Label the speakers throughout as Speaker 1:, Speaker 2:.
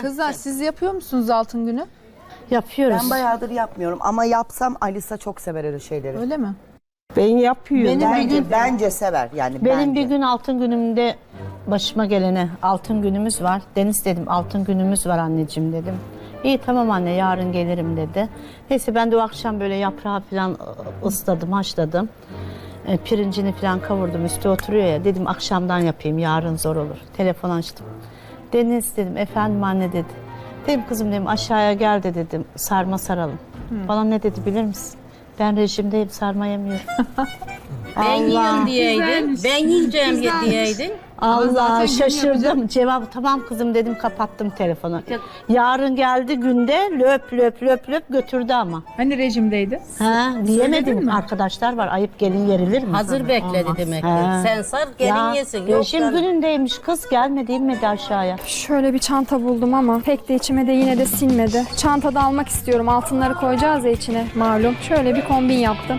Speaker 1: Kızlar siz yapıyor musunuz altın günü?
Speaker 2: Yapıyoruz.
Speaker 3: Ben bayağıdır yapmıyorum ama yapsam Alisa çok sever öyle şeyleri.
Speaker 1: Öyle mi?
Speaker 4: Ben yapıyorum.
Speaker 3: Bence sever yani.
Speaker 2: Benim
Speaker 3: bence.
Speaker 2: bir gün altın günümde başıma gelene altın günümüz var. Deniz dedim altın günümüz var anneciğim dedim. İyi tamam anne yarın gelirim dedi. Neyse ben de o akşam böyle yaprağı falan ısladım, haşladım. Pirincini falan kavurdum, üstü oturuyor ya. Dedim akşamdan yapayım, yarın zor olur. Telefon açtım. Deniz dedim, efendim anne dedi. Dedim kızım dedim aşağıya gel de dedim, sarma saralım. Bana ne dedi bilir misin? Ben rejimdeyim, sarma yemiyorum.
Speaker 5: Ben yiyorum diyeydin. Ben yiyeceğim diyeydin.
Speaker 2: Allah şaşırdım. Cevap tamam kızım dedim, kapattım telefonu. Yarın geldi günde löp löp löp löp götürdü ama.
Speaker 1: Hani rejimdeydi?
Speaker 2: Ha, diyemedim.
Speaker 1: mi?
Speaker 2: Arkadaşlar var, ayıp gelin yerilir mi?
Speaker 5: Hazır bekledi demek ki.
Speaker 2: Ha.
Speaker 5: Sen sar gelin yesin. Yok
Speaker 2: Rejim
Speaker 5: canım.
Speaker 2: günündeymiş kız, gelmedi inmedi aşağıya.
Speaker 6: Şöyle bir çanta buldum ama pek de içime de yine de sinmedi. Çantada almak istiyorum. Altınları koyacağız ya içine malum. Şöyle bir kombin yaptım.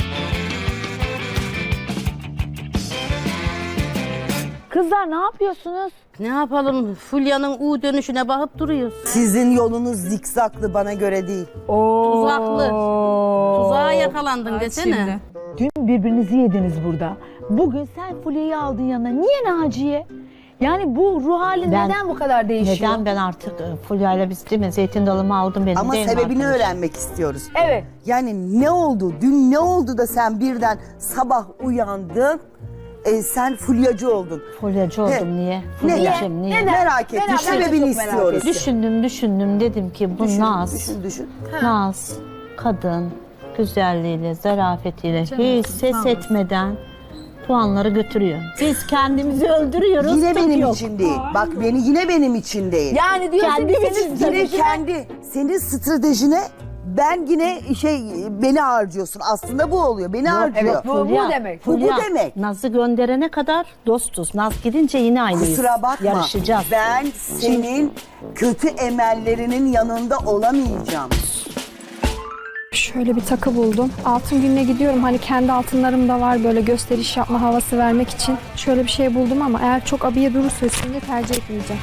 Speaker 7: Kızlar ne yapıyorsunuz?
Speaker 5: Ne yapalım? Fulya'nın U dönüşüne bakıp duruyoruz.
Speaker 3: Sizin yolunuz zikzaklı, bana göre değil.
Speaker 5: Tuzaklı. Tuzağa yakalandın desene.
Speaker 7: Dün birbirinizi yediniz burada. Bugün sen Fulya'yı aldın yanına. Niye Naciye? Yani bu ruh halin
Speaker 2: Ben-
Speaker 7: neden bu kadar değişiyor?
Speaker 2: Neden ben artık Fulya'yla biz değil mi? Zeytin dalımı aldım benim
Speaker 3: Ama
Speaker 2: değil mi
Speaker 3: sebebini
Speaker 2: arkadaş?
Speaker 3: öğrenmek istiyoruz.
Speaker 7: Evet.
Speaker 3: Yani ne oldu? Dün ne oldu da sen birden sabah uyandın, sen fulyacı oldun?
Speaker 2: Fulyacı oldum niye?
Speaker 3: Neden?
Speaker 2: Fulyacım niye?
Speaker 3: Merak ettim.
Speaker 7: Ben de
Speaker 3: Sebebini
Speaker 7: çok merak
Speaker 3: istiyoruz.
Speaker 2: Düşündüm dedim ki bu Naz.
Speaker 3: Düşün.
Speaker 2: Naz, kadın, güzelliğiyle, zarafetiyle hiç ses etmeden puanları götürüyor. Biz kendimizi öldürüyoruz.
Speaker 3: Yine
Speaker 2: tık
Speaker 3: benim
Speaker 2: yok.
Speaker 3: için değil. Bak yine benim için değil.
Speaker 7: Yani diyorsun
Speaker 2: Kendim
Speaker 7: ki
Speaker 2: için
Speaker 7: senin
Speaker 3: Yine
Speaker 7: stratejine...
Speaker 3: senin stratejine ben yine beni harcıyorsun. Aslında bu oluyor. Beni harcıyor.
Speaker 7: evet, bu demek.
Speaker 3: Bu demek.
Speaker 2: Naz'ı gönderene kadar dostuz. Naz gidince yine aynıyız.
Speaker 3: Kusura bakma.
Speaker 2: Yarışacağız.
Speaker 3: Ben senin kötü emellerinin yanında olamayacağım.
Speaker 6: Şöyle bir takı buldum. Altın gününe gidiyorum. Hani kendi altınlarım da var böyle gösteriş yapma havası vermek için. Şöyle bir şey buldum ama eğer çok abiye durursa üstünde tercih etmeyeceğim.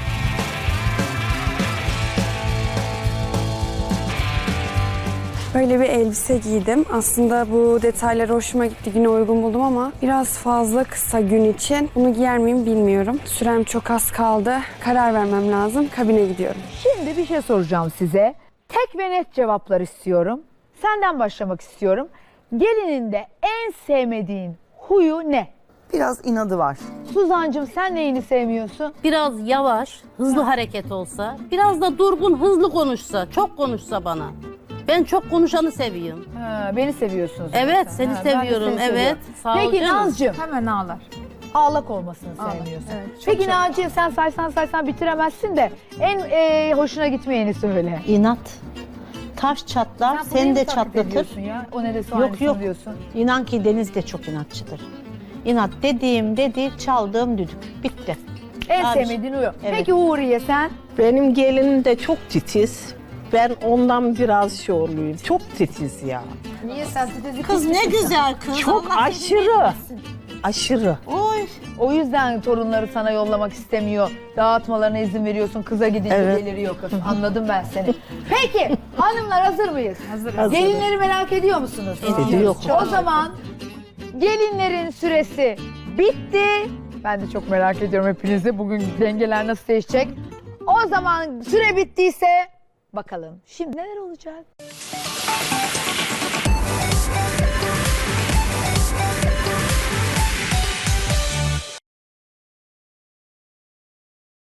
Speaker 6: Böyle bir elbise giydim. Aslında bu detaylar hoşuma gitti. Güne uygun buldum ama biraz fazla kısa gün için. Bunu giyer miyim bilmiyorum. Sürem çok az kaldı. Karar vermem lazım. Kabine gidiyorum.
Speaker 7: Şimdi bir şey soracağım size. Tek ve net cevaplar istiyorum. Senden başlamak istiyorum. Gelininde en sevmediğin huyu ne?
Speaker 3: Biraz inadı var.
Speaker 7: Suzancığım sen neyini sevmiyorsun?
Speaker 5: Biraz yavaş, hızlı hareket olsa, biraz da durgun, hızlı konuşsa, çok konuşsa bana. Ben çok konuşanı seviyorum.
Speaker 7: Ha, beni seviyorsunuz.
Speaker 5: Evet, seni
Speaker 7: Ha, ben de
Speaker 5: seviyorum.
Speaker 7: seni
Speaker 5: Evet.
Speaker 7: seviyorum.
Speaker 5: Sağ ol
Speaker 7: Peki
Speaker 5: canım.
Speaker 7: Nazcığım,
Speaker 1: Hemen ağlar.
Speaker 7: ağlak olmasını sevmiyorsun. Peki Naciye sen saysan bitiremezsin de en hoşuna gitmeyeni söyle.
Speaker 2: İnat. Taş çatlar,
Speaker 7: Sen
Speaker 2: seni
Speaker 7: burayı
Speaker 2: de
Speaker 7: mı taklit
Speaker 2: çatlatır.
Speaker 7: ediyorsun ya? O ne de
Speaker 2: Yok
Speaker 7: diyorsun.
Speaker 2: İnan ki Deniz de çok inatçıdır. İnat dediğim çaldığım düdük. Bitti.
Speaker 7: En
Speaker 2: Abi,
Speaker 7: sevmediğin huyu.
Speaker 2: evet.
Speaker 7: Peki Uğur'ye sen?
Speaker 4: Benim gelinim de çok titiz. Ben ondan biraz şey oluyorum. Çok titiz ya.
Speaker 7: Niye sen titizlik
Speaker 5: Kız ne güzel kız.
Speaker 4: Çok
Speaker 5: Allah
Speaker 4: aşırı. Aşırı.
Speaker 5: Oy.
Speaker 7: O yüzden torunları sana yollamak istemiyor. Dağıtmalarına izin veriyorsun. Kıza gidince
Speaker 4: Evet.
Speaker 7: deliriyor kız. Anladım ben seni. Peki hanımlar hazır mıyız? Hazırız. Gelinleri merak ediyor musunuz?
Speaker 2: Ediyor.
Speaker 7: O zaman gelinlerin süresi bitti. Ben de çok merak ediyorum hepinizi. Bugün dengeler nasıl değişecek? O zaman süre bittiyse bakalım şimdi neler olacak?